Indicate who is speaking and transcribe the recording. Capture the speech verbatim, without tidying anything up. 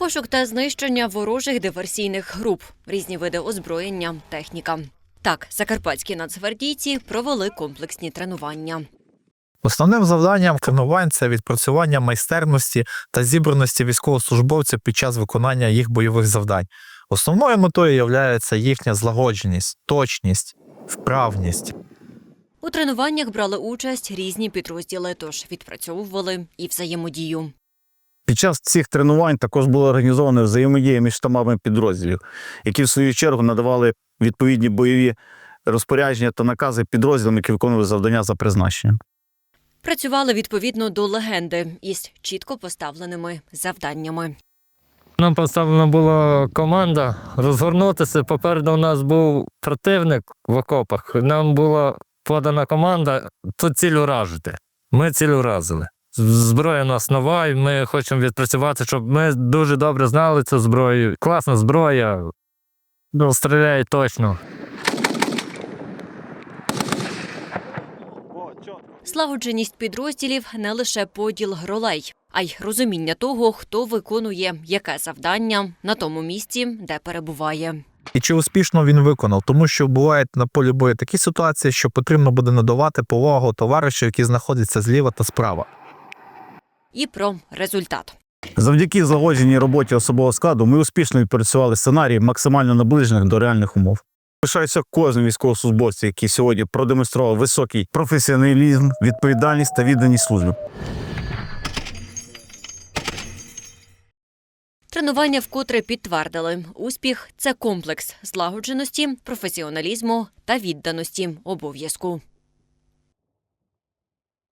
Speaker 1: Пошук та знищення ворожих диверсійних груп, різні види озброєння, техніка. Так, закарпатські нацгвардійці провели комплексні тренування.
Speaker 2: Основним завданням тренувань – це відпрацювання майстерності та зібраності військовослужбовців під час виконання їх бойових завдань. Основною метою є їхня злагодженість, точність, вправність.
Speaker 1: У тренуваннях брали участь різні підрозділи, тож відпрацьовували і взаємодію.
Speaker 3: Під час цих тренувань також була організована взаємодія між штабами підрозділів, які в свою чергу надавали відповідні бойові розпорядження та накази підрозділам, які виконували завдання за призначенням.
Speaker 1: Працювали відповідно до легенди із чітко поставленими завданнями.
Speaker 4: Нам поставлена була команда розгорнутися. Попереду у нас був противник в окопах. Нам була подана команда тут ціль уражити. Ми ціль уразили. Зброя у нас нова, і ми хочемо відпрацювати, щоб ми дуже добре знали цю зброю. Класна зброя, ну, стріляє точно.
Speaker 1: Слагодженість підрозділів – не лише поділ ролей, а й розуміння того, хто виконує яке завдання на тому місці, де перебуває.
Speaker 2: І чи успішно він виконав, тому що бувають на полі бою такі ситуації, що потрібно буде надавати повагу товаришу, які знаходяться зліва та справа.
Speaker 1: І про результат.
Speaker 3: Завдяки злагодженій роботі особового складу ми успішно відпрацювали сценарії, максимально наближених до реальних умов. Пишаюся кожним військовослужбовцем, який сьогодні продемонстрував високий професіоналізм, відповідальність та відданість службі.
Speaker 1: Тренування вкотре підтвердили – успіх – це комплекс злагодженості, професіоналізму та відданості обов'язку.